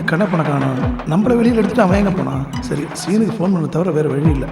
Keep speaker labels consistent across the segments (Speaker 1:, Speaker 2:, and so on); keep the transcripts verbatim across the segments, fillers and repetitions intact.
Speaker 1: கண்ணப்பனை காணோம். நம்மளை வெளியில் எடுத்துட்டு அவன் எங்கே போனான்? சரி, சீனுக்கு ஃபோன் பண்ண தவிர வேறு வழி இல்லை.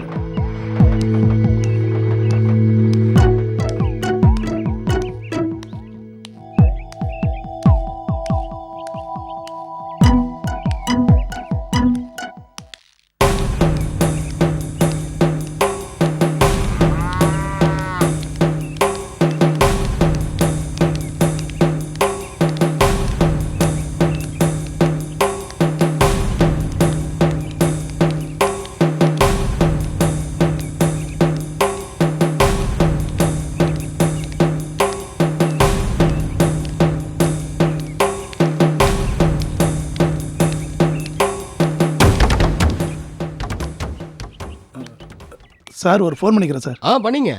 Speaker 1: சார் ஒரு ஃபோன் பண்ணிக்கிறேன் சார்.
Speaker 2: ஆ பண்ணிங்க.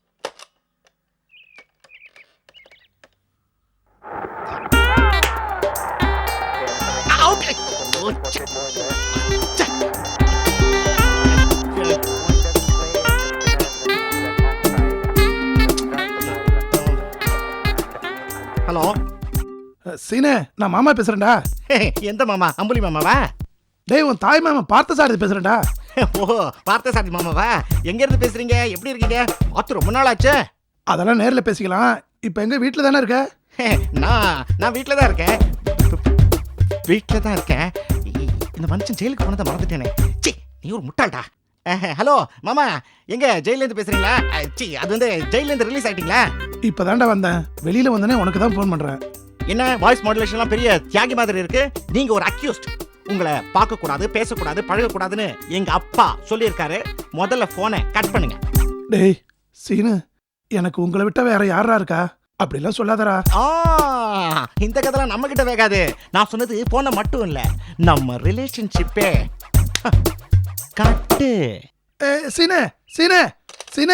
Speaker 3: ஹலோ
Speaker 1: சீனே, நான் மாமா பேசுறேன்டா.
Speaker 3: எந்த மாமா? அம்புலி மாமாவா?
Speaker 1: டேய், உன் தாய் மாமா பார்த்த சார் பேசுறேன்டா.
Speaker 3: ஓ, பார்த்த சாரதி மாமாவா? எங்க இருந்து பேசுறீங்க? எப்படி இருக்கீங்க? பார்த்து ரொம்ப நாள் ஆச்சு.
Speaker 1: அதெல்லாம் நேரில் பேசிக்கலாம். இப்போ எங்க வீட்டில் தானே இருக்க?
Speaker 3: நான் நான் வீட்டில் தான் இருக்கேன். வீட்டில் தான் இருக்கேன். இந்த மனுஷன் ஜெயிலுக்கு போனதை மறந்துட்டேனே. சி, நீ ஒரு முட்டாள்டா. ஹலோ மாமா, எங்க ஜெயிலேருந்து பேசுறீங்களா? சி, அது வந்து ஜெயிலேருந்து ரிலீஸ் ஆயிட்டீங்களா?
Speaker 1: இப்போ தாண்டா வந்தேன். வெளியில் வந்தேனே உனக்கு தான் ஃபோன் பண்ணுறேன்.
Speaker 3: என்ன வாய்ஸ் மாடுலேஷன்லாம் பெரிய தியாகி மாதிரி இருக்கு. நீங்க ஒரு அக்யூஸ்ட். உங்களை பார்க்க கூடாது, பேசக்கூடாது, பழகக்கூடாதுன்னு எங்க அப்பா சொல்லியிருக்காரு. முதல்ல போனை கட் பண்ணுங்க.
Speaker 1: டேய் சீனு, எனக்கு உங்களை விட்ட வேற யாரா இருக்கா? அப்படிலாம் சொல்லாதரா.
Speaker 3: ஆ, இந்த கதைலாம் நம்ம கிட்ட வேகாது. நான் சொன்னது போனை மட்டும் இல்ல, நம்ம ரிலேஷன்ஷிப்பே. கட்டு.
Speaker 1: சீனு சீனு சீனு.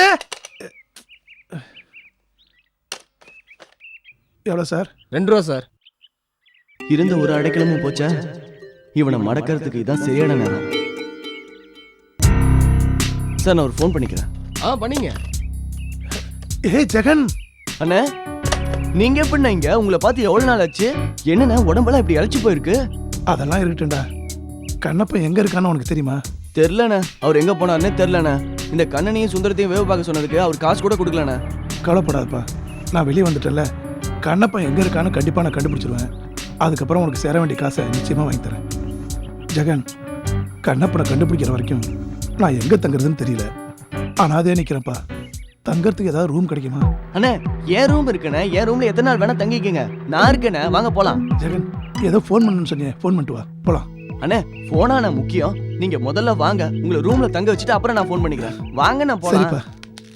Speaker 1: எவ்வளோ சார்?
Speaker 2: ரெண்டு ரூபா சார்.
Speaker 4: இருந்த ஒரு அடைக்கலமும் போச்சா? இவனை மடக்கிறதுக்கு இதான் சரியான நேரம். சார், நான் ஒரு ஃபோன் பண்ணிக்கிறேன்.
Speaker 2: ஆ பண்ணிங்க.
Speaker 1: ஏ ஜெகன்
Speaker 4: அண்ணே, நீங்க எப்படிண்ணா இங்க? உங்களை பார்த்து எவ்வளவு நாள் ஆச்சு? என்னண்ணா உடம்பெல்லாம் இப்படி அழைச்சி போயிருக்கு?
Speaker 1: அதெல்லாம் இருக்கட்டும்டா. கண்ணப்பன் எங்க இருக்கான்னு உனக்கு தெரியுமா?
Speaker 4: தெரிலண்ணே. அவர் எங்க போனாருன்னே தெரிலண்ணே. இந்த கண்ணனையும் சுந்தரத்தையும் வேவு பார்க்க சொன்னதுக்கு அவர் காசு கூட கொடுக்கலண்ணே.
Speaker 1: கவலைப்படாதப்பா, நான் வெளியே வந்துட்டேன்ல. கண்ணப்பன் எங்க இருக்கான்னு கண்டிப்பா நான் கண்டுபிடிச்சிருவேன். அதுக்கப்புறம் உனக்கு சேர வேண்டிய காசை நிச்சயமா வாங்கி தரேன். ஜெகன், கண்ணப்பனை கண்டுபிடிக்கிற வரைக்கும் நான் எங்க தங்குறதுன்னு தெரியல. அனாதே நிக்கிறப்பா. தங்கறதுக்கு ஏதாவது ரூம் கிடைக்குமா?
Speaker 4: அண்ணே, என் ரூம் இருக்குண்ணே. என் ரூம்ல எத்தனை நாள் வேணா தங்கிக்கங்க. நான் இருக்கேண்ணே, வாங்க போலாம்.
Speaker 1: ஜெகன், ஏதோ ஃபோன் பண்ணணும்னு சொன்னீங்க. ஃபோன் பண்ணிட்டு வா, போலாம்.
Speaker 4: அண்ணே, போனா நான் முக்கியம். நீங்க முதல்ல வாங்க, உங்களை ரூம்ல தங்க வச்சுட்டு அப்புறம் நான் ஃபோன் பண்ணிக்கிறேன். வாங்க, நான் போலாம்.
Speaker 1: சரிப்பா.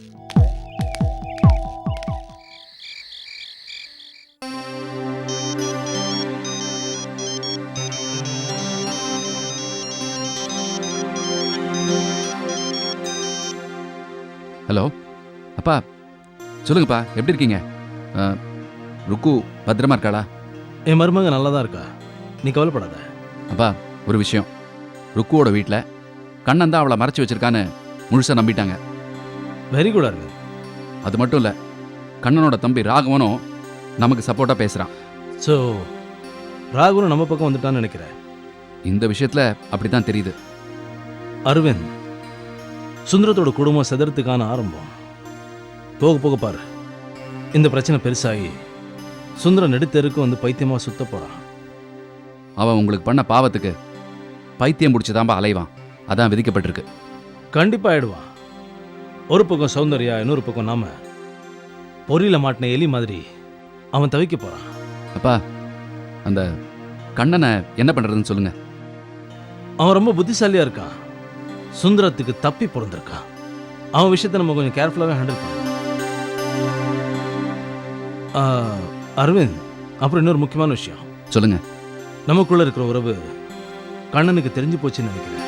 Speaker 5: ஹலோ அப்பா, சொல்லுங்கப்பா, எப்படி இருக்கீங்க? ருக்கு பத்திரமா இருக்காளா?
Speaker 6: என் மருமக நல்லா தான் இருக்கா, நீ கவலைப்படாத.
Speaker 5: அப்பா, ஒரு விஷயம். ருக்குவோட வீட்டில் கண்ணன் தான் அவளை மறைச்சி வச்சிருக்கான்னு முழுசாக நம்பிட்டாங்க.
Speaker 6: Very good Aravind.
Speaker 5: அது மட்டும் இல்லை, கண்ணனோட தம்பி ராகவனும் நமக்கு சப்போர்ட்டாக பேசுகிறான்.
Speaker 6: ஸோ ராகுலும் நம்ம பக்கம் வந்துட்டான்னு நினைக்கிறேன்.
Speaker 5: இந்த விஷயத்தில் அப்படி தான் தெரியுது.
Speaker 6: அரவிந்த், சுந்தரத்தோட குடும்பம் செதறத்துக்கான ஆரம்பம். போக போக பாரு, இந்த பிரச்சனை பெருசாகி சுந்தரம் நெடுத்தெருக்கு வந்து பைத்தியமா சுத்த போறான்.
Speaker 5: அவன் உங்களுக்கு பண்ண பாவத்துக்கு பைத்தியம் பிடிச்சதாம்பா அலைவான். அதான் விதிக்கப்பட்டிருக்கு.
Speaker 6: கண்டிப்பா ஆயிடுவான். ஒரு பக்கம் சௌந்தர்யா, இன்னொரு பக்கம் நாம. பொறியில மாட்டின எலி மாதிரி அவன் தவிக்க போறான்.
Speaker 5: அப்பா, அந்த கண்ணனை என்ன பண்றதுன்னு சொல்லுங்க.
Speaker 6: அவன் ரொம்ப புத்திசாலியா இருக்கான். சுந்தரத்துக்கு தப்பி பிறந்திருக்கான். அவன் விஷயத்தை நம்ம கொஞ்சம் கேர்ஃபுல்லாகவே ஹேண்டில் பண்ணணும். அரவிந்த், அப்புறம் இன்னொரு முக்கியமான விஷயம்
Speaker 5: சொல்லுங்க.
Speaker 6: நமக்குள்ள இருக்கிற உறவு கண்ணனுக்கு தெரிஞ்சு போச்சுன்னு நினைக்கிறேன்.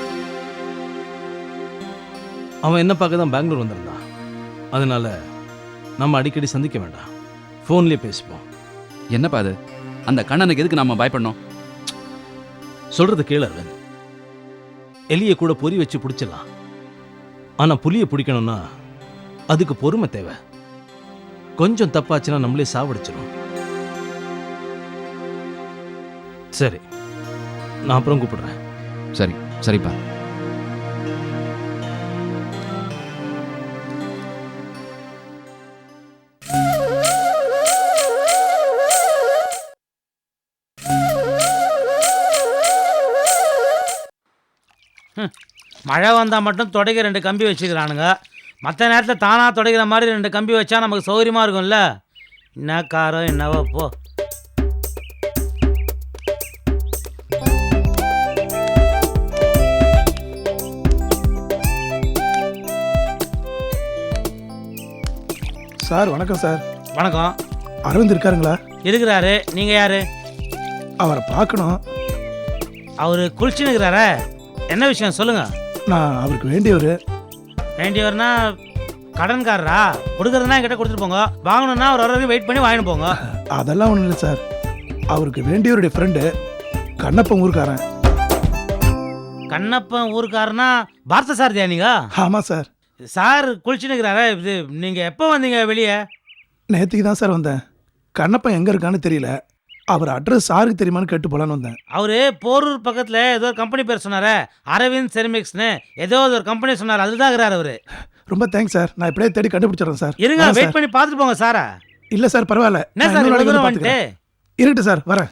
Speaker 6: அவன் என்ன பார்க்க தான் பெங்களூர் வந்திருந்தான். அதனால நம்ம அடிக்கடி சந்திக்க வேண்டாம், ஃபோன்லேயே பேசிப்போம்.
Speaker 5: என்னப்பா அது? அந்த கண்ணனுக்கு எதுக்கு நாம பயப்படணும்?
Speaker 6: சொல்றது கேளு அரவிந்த். எலியை கூட பொறி வச்சு பிடிச்சிடலாம். ஆனா புலியை பிடிக்கணும்னா அதுக்கு பொறுமை தேவை. கொஞ்சம் தப்பாச்சுன்னா நம்மளே சாவடிச்சிடும். சரி, நான் அப்புறம் கூப்பிடுறேன்.
Speaker 5: சரி சரிப்பா.
Speaker 2: மழை வந்தால் மட்டும் தொடக்க ரெண்டு கம்பி வச்சுக்கிறானுங்க. மற்ற நேரத்தில் தானாக தொடக்கிற மாதிரி ரெண்டு கம்பி வச்சா நமக்கு சௌகரியமாக இருக்கும்ல. என்ன காரம் என்னவோ போ.
Speaker 1: சார் வணக்கம் சார்.
Speaker 2: வணக்கம்.
Speaker 1: அரவிந்த் இருக்காருங்களா?
Speaker 2: இருக்கிறாரு. நீங்கள் யார்?
Speaker 1: அவரை பார்க்கணும்.
Speaker 2: அவர் குளிச்சுன்னுக்கிறாரா? என்ன விஷயம் சொல்லுங்கள்.
Speaker 1: நான் அவருக்கு வேண்டியவர்.
Speaker 2: வேண்டியவர்னா கடன்காரரா? கொடுக்குறதுனா என்கிட்ட கொடுத்துட்டு போங்க, வாங்கணும்னா அவர் வர வரைக்கும் வெயிட் பண்ணி வாங்கிட்டு போங்க.
Speaker 1: அதெல்லாம் ஒன்றும் இல்லை சார். அவருக்கு வேண்டியவருடைய ஃப்ரெண்டு கண்ணப்பன் ஊருக்காரன்.
Speaker 2: கண்ணப்பன் ஊருக்காரனா பார்த்த சாரதியா நீங்கள்?
Speaker 1: ஆமாம் சார்.
Speaker 2: சார் குளிச்சுன்னுக்கிறாரா? இது நீங்கள் எப்போ வந்தீங்க வெளியே?
Speaker 1: நேற்றுக்கு தான் சார் வந்தேன். கண்ணப்பன் எங்கே இருக்கான்னு தெரியல. அவர் அட்ரஸ் சாருக்கு தெரியுமான்னு கேட்டு போலான்னு வந்தேன்.
Speaker 2: அவரு போரூர் பக்கத்தில் ஏதோ ஒரு கம்பெனி பேர் சொன்னாரே, அரவிந்த் செரமிக்ஸ்னு ஏதோ ஒரு கம்பெனி சொன்னார். அதுதான் இருக்கிறார் அவரு.
Speaker 1: ரொம்ப தேங்க்ஸ் சார். நான் இப்படியே தேடி கண்டுபிடிச்சிடுறேன் சார்.
Speaker 2: இருங்க, வெயிட் பண்ணி பார்த்துட்டு போங்க சாரா.
Speaker 1: இல்லை சார் பரவாயில்ல.
Speaker 2: என்ன சார் இவ்வளவு தூரம் வந்துட்டு?
Speaker 1: இருக்கட்டும் சார், வரேன்.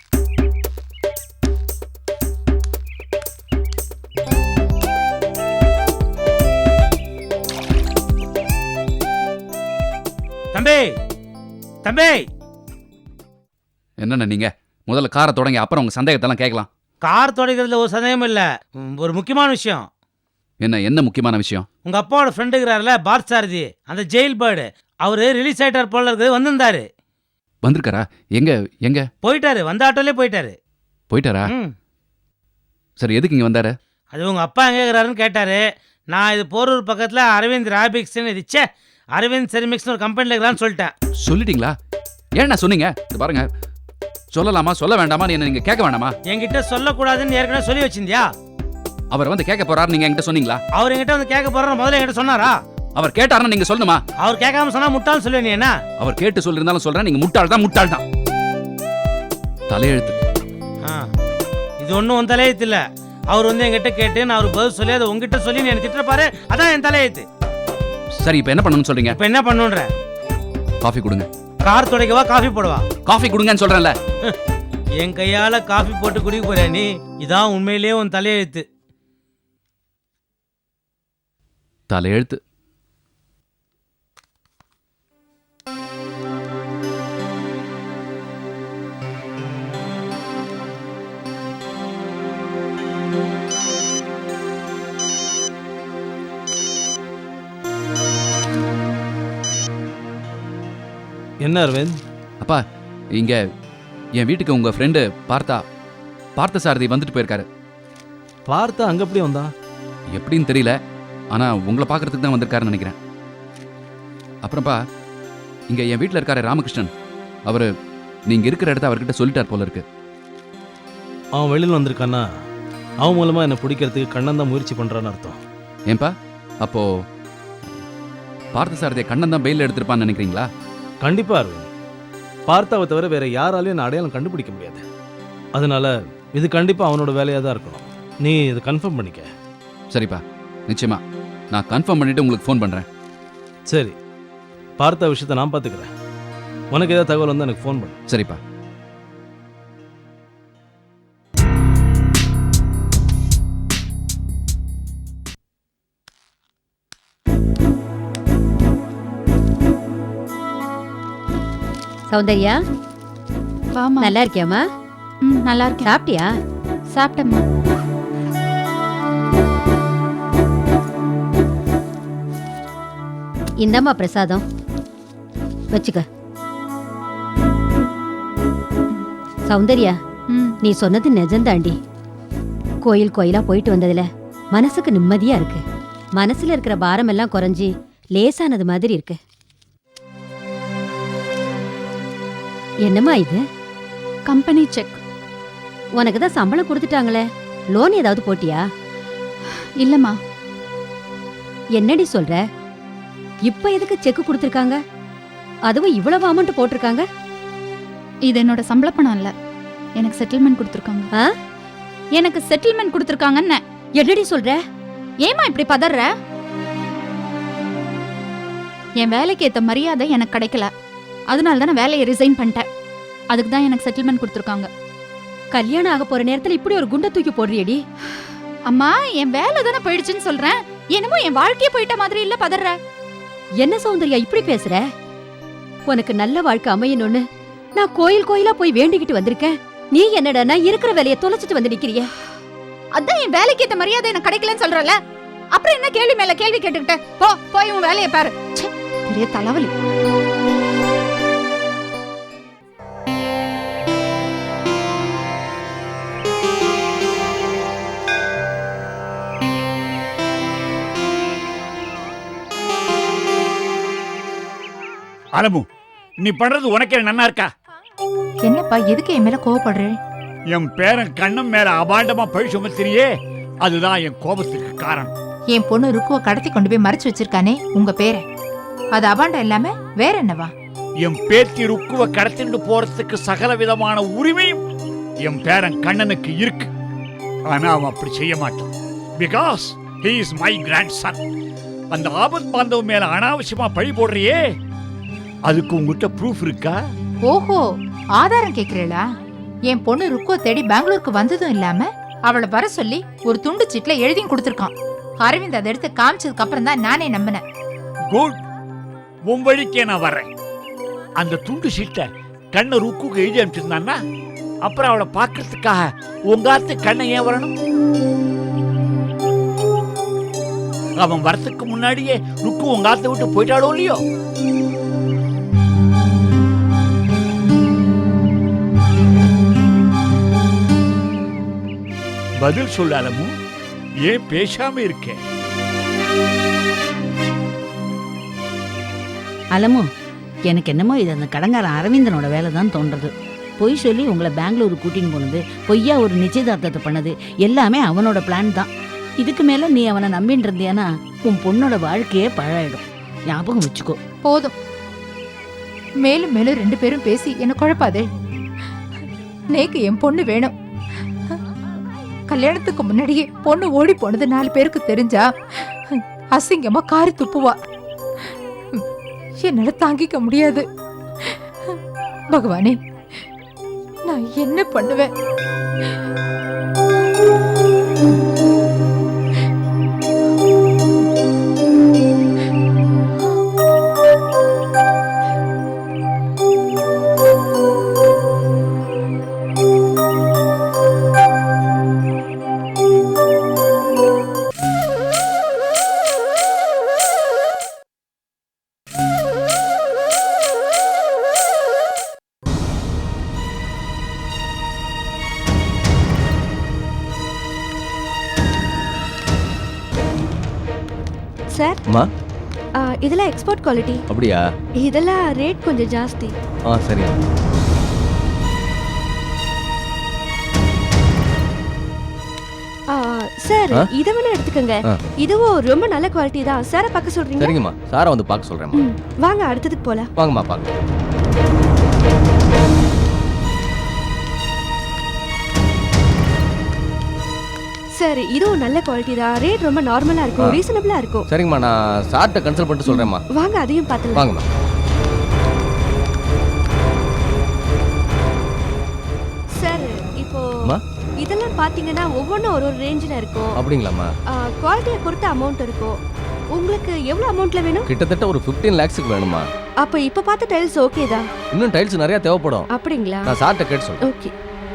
Speaker 2: தம்பி தம்பி
Speaker 5: என்னண்ணே நீங்க முதல்ல காரை தொடங்கி அப்புறம் உங்க சந்தேகத்தெல்லாம் கேட்கலாம்.
Speaker 2: கார் தொடக்கிறதுல ஒரு சந்தேகம் இல்லை, ஒரு முக்கியமான விஷயம்.
Speaker 5: என்ன என்ன முக்கியமான விஷயம்?
Speaker 2: உங்க அப்பாவோட ஃப்ரெண்டு இருக்கிறாருல பார்த் சாரதி, அந்த ஜெயில் பேர்டு, அவரு ரிலீஸ் ஆயிட்டார் போல இருக்குது. வந்திருந்தாரு.
Speaker 5: வந்திருக்காரா? எங்க எங்க
Speaker 2: போயிட்டாரு. வந்த ஆட்டோலே போயிட்டாரு.
Speaker 5: போயிட்டாரா?
Speaker 2: ம்.
Speaker 5: சரி, எதுக்கு இங்க வந்தாரு?
Speaker 2: அது உங்க அப்பா எங்கே இருக்கிறாருன்னு கேட்டாரு. நான் இது போரூர் பக்கத்தில் அரவிந்த் ராபிக்ஸ்ன்னு இதுச்சே அரவிந்த் செரமிக்ஸ்னு ஒரு கம்பெனியில் இருக்கிறான்னு சொல்லிட்டேன்.
Speaker 5: சொல்லிட்டீங்களா? ஏன்னா சொன்னீங்க? இது பாருங்க, சொல்லலாமா சொல்ல வேண்டாமா என்ன நீங்க கேட்க வேண்டாமா?
Speaker 2: என்கிட்ட சொல்லக்கூடாதுன்னு ஏற்கனவே சொல்லி வச்சிருந்தியா?
Speaker 5: அவர் வந்து கேட்க போறாரு, நீங்க என்கிட்ட சொன்னீங்களா?
Speaker 2: அவர் என்கிட்ட வந்து கேட்க போறாரு முதல்ல என்கிட்ட சொன்னாரா?
Speaker 5: அவர் கேட்டாருன்னு நீங்க சொல்லணுமா?
Speaker 2: அவர் கேட்காம சொன்னா முட்டாள்னு சொல்லுவே நீ என்ன?
Speaker 5: அவர் கேட்டு சொல்லிருந்தாலும் சொல்றேன், நீங்க முட்டாள் தான் முட்டாள் தான். தலையெழுத்து.
Speaker 2: ஆ, இது ஒன்றும் உன் தலையெழுத்து இல்லை. அவர் வந்து என்கிட்ட கேட்டு நான் அவருக்கு பதில் சொல்லி அதை உங்ககிட்ட சொல்லி நீ என்ன திட்டுறப்பாரு, அதான் என் தலையெழுத்து.
Speaker 5: சரி, இப்போ என்ன பண்ணணும்னு சொல்றீங்க?
Speaker 2: இப்போ என்ன பண்ணுன்ற?
Speaker 5: காஃபி கொடுங்க.
Speaker 2: கார் துடைக்கவா காஃபி போடுவா?
Speaker 5: காஃபி கொடுங்கன்னு சொல்றேன்ல.
Speaker 2: என் கையால காஃபி போட்டு குடிக்க போறியா நீ? இதான் உண்மையிலேயே உன் தலையெழுத்து.
Speaker 5: தலையெழுத்து.
Speaker 6: என்ன அரவிந்த்?
Speaker 5: அப்பா, இங்க என் வீட்டுக்கு உங்க ஃப்ரெண்டு பார்த்தா பார்த்த சாரதி வந்துட்டு போயிருக்காரு.
Speaker 6: பார்த்தா அங்க எப்படி வந்தா?
Speaker 5: எப்படின்னு தெரியல, ஆனா உங்களை பார்க்கறதுக்கு தான் வந்திருக்காருன்னு நினைக்கிறேன். அப்புறம்ப்பா, இங்க என் வீட்டில் இருக்காரு ராமகிருஷ்ணன், அவரு நீங்க இருக்கிற இடத்த அவர்கிட்ட சொல்லிட்டார் போல இருக்கு.
Speaker 6: அவன் வெளியில் வந்திருக்கான்னா அவன் மூலமா என்னை பிடிக்கிறதுக்கு கண்ணன் தான் முயற்சி பண்றான்னு அர்த்தம்.
Speaker 5: ஏன்பா, அப்போ பார்த்த சாரதியை கண்ணன் தான் பெயில் எடுத்திருப்பான்னு நினைக்கிறீங்களா?
Speaker 6: கண்டிப்பா அரவிந்த், பார்த்தாவை தவிர வேற யாராலையும் நான் அடையாளம் கண்டுபிடிக்க முடியாது. அதனால இது கண்டிப்பா அவனோட வேலையா தான் இருக்கணும். நீ இதை கன்ஃபார்ம் பண்ணிக்க.
Speaker 5: சரிப்பா, நிச்சயமா நான் கன்ஃபார்ம் பண்ணிட்டு உங்களுக்கு ஃபோன் பண்றேன்.
Speaker 6: சரி, பார்த்த விஷயத்த நான் பார்த்துக்கிறேன். உனக்கு ஏதாவது தகவல் வந்து எனக்கு ஃபோன் பண்ணு.
Speaker 5: சரிப்பா.
Speaker 7: சௌந்தர்யா,
Speaker 8: வாமா.
Speaker 7: நல்லா இருக்கியாம்மா?
Speaker 8: ம், நல்லா இருக்கேன்.
Speaker 7: சாப்பிட்டியா?
Speaker 8: சாப்பிட்டேம்மா.
Speaker 7: இந்தாம்மா பிரசாதம், வச்சுக்க. சௌந்தர்யா,
Speaker 8: ம்,
Speaker 7: நீ சொன்னது நிஜந்தாண்டி. கோயில் கோயிலா போயிட்டு வந்ததுல மனசுக்கு நிம்மதியா இருக்கு. மனசுல இருக்கிற பாரம் எல்லாம் குறைஞ்சி லேசானது மாதிரி இருக்கு. என்னம்மா இது?
Speaker 8: Company cheque.
Speaker 7: உனக்கு தான் சம்பளம் கொடுத்துட்டாங்களே, லோன் ஏதாவது போட்டியா?
Speaker 8: இல்லம்மா.
Speaker 7: என்னடி சொல்ற? இப்ப எதுக்கு செக் கொடுத்துருக்காங்க? அதுவும் இவ்வளவு அமௌண்ட் போட்டிருக்காங்க?
Speaker 8: இது என்னோட சம்பள பணம் இல்ல, எனக்கு செட்டில்மெண்ட் கொடுத்துருக்காங்க.
Speaker 7: ஆ?
Speaker 8: எனக்கு செட்டில்மெண்ட் கொடுத்துருக்காங்கன்னு.
Speaker 7: என்னடி சொல்ற?
Speaker 8: ஏமா இப்படி பதற? என் வேலைக்கு ஏத்த மரியாதை எனக்கு கிடைக்கல, அதனால தான் நான் வேலையை ரிசைன் பண்ணிட்டேன். அதுக்கு தான் எனக்கு செட்டில்மெண்ட் கொடுத்துருக்காங்க.
Speaker 7: கல்யாணம் ஆக போற நேரத்துல இப்படி ஒரு குண்டை தூக்கி போடுறியடி.
Speaker 8: அம்மா, என் வேலை தானே போயிடுச்சுன்னு சொல்றேன். என்னமோ என் வாழ்க்கையே போயிட்ட மாதிரி இல்ல பதற.
Speaker 7: என்ன சௌந்தர்யா இப்படி பேசுற? உனக்கு நல்ல வாழ்க்கை அமையணும்னு நான் கோயில் கோயிலா போய் வேண்டிக்கிட்டு வந்திருக்கேன். நீ என்னடா இருக்கிற வேலையை தொலைச்சிட்டு வந்து நிக்கிறிய?
Speaker 8: அதான் என் வேலைக்கு ஏத்த மரியாதை எனக்கு கிடைக்கலன்னு சொல்றல, அப்புறம் என்ன கேள்வி மேல கேள்வி கேட்டுக்கிட்ட? போ போய் உன் வேலையை பாரு. பெரிய தலைவலி.
Speaker 9: அலமு, நீ பண்றது உனக்கே நன்னா இருக்கா?
Speaker 8: என்னப்பா, எதுக்கு என் மேல கோவப்படுற?
Speaker 9: என் பேரன் கண்ணம் மேல அபாண்டமா பழி சுமத்திரியே, அதுதான் என் கோபத்துக்கு காரணம்.
Speaker 10: என் பொண்ணு ருக்குவ கடத்தி கொண்டு போய் மறைச்சு வச்சிருக்கானே உங்க பேரை, அது அபாண்டம் இல்லாம வேற என்னவா?
Speaker 9: என் பேத்தி ருக்குவ கடத்திட்டு போறதுக்கு சகல விதமான உரிமையும் என் பேரன் கண்ணனுக்கு இருக்கு. ஆனா அவன் அப்படி செய்ய மாட்டான். Because he is my grandson. அந்த ஆபத் பாந்தவ மேல அனாவசியமா பழி போடுறியே, அதுக்கு உங்ககிட்ட ப்ரூஃப் இருக்கா?
Speaker 10: ஓஹோ, ஆதாரம் கேக்குறீங்களா? என் பொண்ணு ருக்குவ தேடி பெங்களூருக்கு வந்ததும் இல்லாம அவளை வர சொல்லி ஒரு துண்டு சீட்ல எழுதியும் கொடுத்துருக்கான். அரவிந்த் அதை எடுத்து காமிச்சதுக்கு அப்புறம் தான் நானே நம்பினேன்.
Speaker 9: குட், உன் வழிக்கே நான் வர்றேன். அந்த துண்டு சீட்டை கண்ணை ருக்குக்கு எழுதி அனுப்பிச்சிருந்தான்னா அப்புறம் அவளை பார்க்கறதுக்காக உங்காத்து கண்ணை ஏன் வரணும்? அவன் வரத்துக்கு முன்னாடியே ருக்கு உங்காத்த விட்டு போயிட்டாளோ இல்லையோ? பதில் சொல்லாலமும் ஏன் பேசாம இருக்கேன்?
Speaker 11: அலமு, எனக்கு என்னமோ இது அந்த கடங்காரன் அரவிந்தனோட வேலை தான் தோன்றது. பொய் சொல்லி உங்களை பெங்களூருக்கு கூட்டின்னு போனது, பொய்யா ஒரு நிச்சயதார்த்தத்தை பண்ணது எல்லாமே அவனோட பிளான் தான். இதுக்கு மேல நீ அவனை நம்பின்னு இருந்தியானா உன் பொண்ணோட வாழ்க்கையே பழாயிடும். ஞாபகம் வச்சுக்கோ.
Speaker 10: போதும், மேலும் மேலும் ரெண்டு பேரும் பேசி என்ன குழப்பாதே. நேக்கு என் பொண்ணு வேணும். கல்யாணத்துக்கு முன்னாடியே பொண்ணு ஓடி போனது நாலு பேருக்கு தெரிஞ்சா அசிங்கமா காரி துப்புவா. என்னால தாங்கிக்க முடியாது. பகவானே, நான் என்ன பண்ணுவேன்?
Speaker 7: சார்,
Speaker 4: அம்மா,
Speaker 7: இதெல்லாம் எக்ஸ்போர்ட் குவாலிட்டி.
Speaker 4: அப்படியா?
Speaker 7: இதெல்லாம் ரேட் கொஞ்சம் ஜாஸ்தி.
Speaker 4: ஆ, சரி.
Speaker 7: சார், இதை வேணா எடுத்துக்கங்க. இதுவும் ரொம்ப நல்ல குவாலிட்டி தான். சாரை பார்க்க சொல்றீங்க?
Speaker 4: சரிங்கம்மா, சாரை வந்து பார்க்க சொல்றேன்மா.
Speaker 7: வாங்க, அடுத்ததுக்கு போலாம்.
Speaker 4: வாங்கம்மா, பார்க்க.
Speaker 7: சார், இதுவும் நல்ல குவாலிட்டி தான். ரேட் ரொம்ப நார்மலா இருக்கும், ரீசனபிளா இருக்கும்.
Speaker 4: சரிங்கம்மா, நான் சார்ட்ட கன்சல்ட் பண்ணிட்டு சொல்றேன்மா.
Speaker 7: வாங்க, அதையும் பார்த்துலாம்.
Speaker 4: வாங்கம்மா.
Speaker 7: சார், இப்போ இதெல்லாம் பாத்தீங்கன்னா ஒவ்வொன்றும் ஒரு ஒரு ரேஞ்சில இருக்கும்.
Speaker 4: அப்படிங்களாம்மா?
Speaker 7: குவாலிட்டியை பொறுத்து அமௌண்ட் இருக்கும். உங்களுக்கு எவ்வளவு அமௌண்ட்ல வேணும்?
Speaker 4: கிட்டத்தட்ட ஒரு பதினைந்து லாக்ஸ்க்கு வேணுமா?
Speaker 7: அப்ப இப்ப பார்த்த டைல்ஸ் ஓகே தான்.
Speaker 4: இன்னும் டைல்ஸ் நிறைய தேவைப்படும்.
Speaker 7: அப்படிங்களா?
Speaker 4: நான் சார்ட்ட கேட்டு சொல்றேன்.
Speaker 7: ஓகே.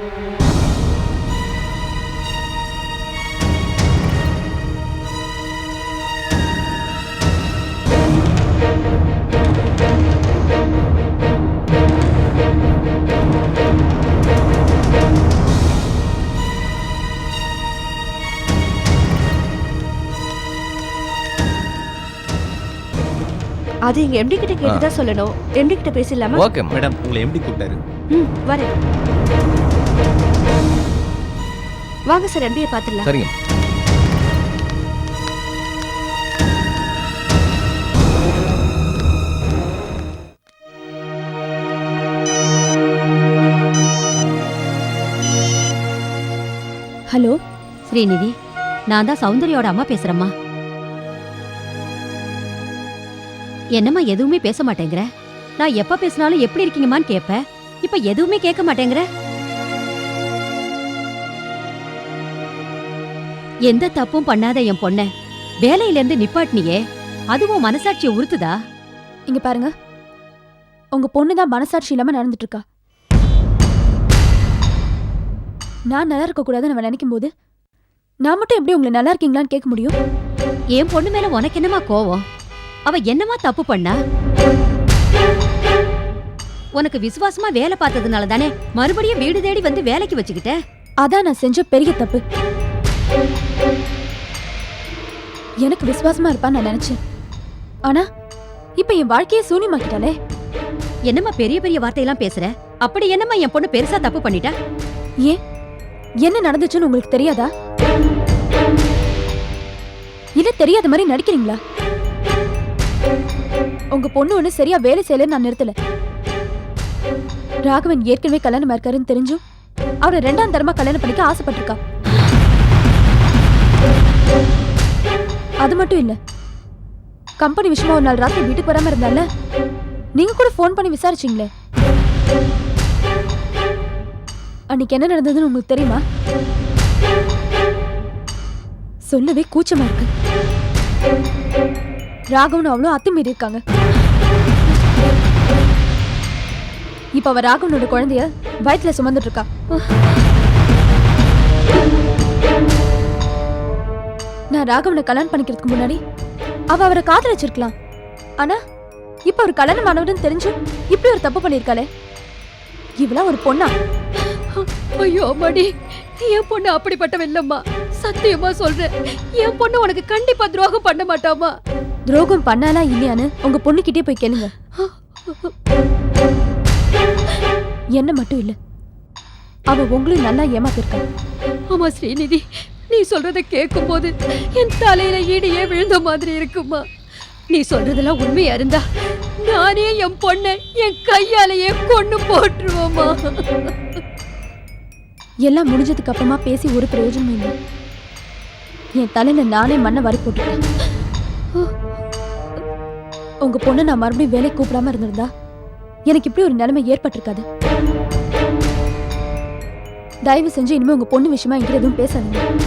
Speaker 7: அது எங்க எம்டி கிட்ட கேட்டு தான் சொல்லணும். எம்டி கிட்ட பேசலாமா?
Speaker 4: ஓகே மேடம், உங்களை எம்டி கூப்பிட்டாரு.
Speaker 7: ம், வரேன். வாங்க சார், எம்டியை பார்த்துடலாம்.
Speaker 4: சரிங்க.
Speaker 7: ஹலோ, ஸ்ரீநிதி, நான் தான் சௌந்தர்யோட அம்மா பேசுறேம்மா. என்னம்மா எதுவுமே பேச மாட்டேங்கிற? நான் எப்ப பேசினாலும் எப்படி இருக்கீங்கம்மான்னு கேட்பேன். இப்ப எதுவுமே கேட்க மாட்டேங்கிற. எந்த தப்பும் பண்ணாத என் பொண்ண வேலையில இருந்து நிப்பாட்டினியே, அதுவும் மனசாட்சியை உறுத்துதா?
Speaker 12: இங்க பாருங்க, உங்க பொண்ணுதான் மனசாட்சி இல்லாம நடந்துட்டு இருக்கா. நான் நல்லா இருக்க கூடாதுன்னு அவன் நினைக்கும் போது நான் மட்டும் எப்படி உங்களை நல்லா இருக்கீங்களான்னு கேட்க முடியும்?
Speaker 7: என் பொண்ணு மேல உனக்கு என்னமா கோவம்? அவ என்னமா தப்பு பண்ணா? உனக்கு விசுவாசமா வேலை பார்த்ததுனால தானே மறுபடியும் வீடு தேடி வந்து வேலைக்கு வச்சுக்கிட்ட.
Speaker 12: அதான் நான் செஞ்ச பெரிய தப்பு. எனக்கு விசுவாசமா இருப்பான்னு நான் நினைச்சேன். ஆனா இப்ப என் வாழ்க்கையை சூனியமாக்கிட்டாலே.
Speaker 7: என்னம்மா பெரிய பெரிய வார்த்தையெல்லாம் பேசுற? அப்படி என்னம்மா என் பொண்ணு பெருசா தப்பு பண்ணிட்டா?
Speaker 12: ஏன் என்ன நடந்துச்சுன்னு உங்களுக்கு தெரியாதா? இல்ல தெரியாத மாதிரி நடிக்கிறீங்களா? உங்க பொண்ணு ஒண்ணு சரியா வேலை செய்யலன்னு நான் நிறுத்தல. ராகவன் ஏற்கனவே கல்யாணம் இருக்காருன்னு தெரிஞ்சும் அவரை ரெண்டாம் தரமா கல்யாணம் பண்ணிக்க ஆசைப்பட்டிருக்கா. அது மட்டும் இல்ல, கம்பெனி விஷயமா ஒரு நாள் ராத்திரி வீட்டுக்கு வராம இருந்தால நீங்க கூட போன் பண்ணி விசாரிச்சீங்களே. அன்னைக்கு என்ன நடந்ததுன்னு உங்களுக்கு தெரியுமா? சொல்லவே கூச்சமா இருக்கு. ராகவன் அவ்வளோ அத்துமீறி இருக்காங்க. இப்ப அவ ராகவனோட குழந்தைய வயிற்றுல சுமந்துட்டு இருக்கா. நான் ராகவனை கல்யாணம் பண்ணிக்கிறதுக்கு முன்னாடி அவ அவரை காதலிச்சிருக்கலாம். ஆனா இப்ப அவர் கல்யாணம் ஆனவருன்னு தெரிஞ்சும் இப்படி ஒரு தப்பு பண்ணிருக்காளே. இவளா ஒரு பொண்ணா?
Speaker 7: ஐயோ அம்மாடி, என் பொண்ணு அப்படிப்பட்டவ இல்லம்மா. சத்தியமா சொல்றேன், என் பொண்ணு உனக்கு கண்டிப்பா துரோகம் பண்ண மாட்டாமா.
Speaker 12: துரோகம் பண்ணாலா இல்லையான்னு உங்க பொண்ணுகிட்டே போய் கேளுங்க. என்ன மட்டும் இல்ல, அவ உங்களையும் நல்லா ஏமாத்திருக்கா.
Speaker 7: ஆமா ஸ்ரீநிதி, நீ சொல்றத கேட்கும் போது என் தலையில ஈடியே விழுந்த மாதிரி இருக்குமா. நீ சொல்றதெல்லாம் உண்மையா இருந்தா நானே என் பொண்ணை என் கையாலேயே கொண்டு போட்டுருவோமா.
Speaker 12: எல்லாம் முடிஞ்சதுக்கு அப்புறமா பேசி ஒரு பிரயோஜனமும் இல்லை. என் தலையில நானே மண்ணை வாரி போட்டுட்டேன். உங்க பொண்ணை நான் மறுபடியும் வேலைக்கு கூப்பிடாம இருந்திருந்தா எனக்கு இப்படி ஒரு நிலைமை ஏற்பட்டிருக்காது. தயவு செஞ்சு இனிமே உங்க பொண்ணு விஷயமா என்கிட்ட எதுவும் பேசாதீங்க.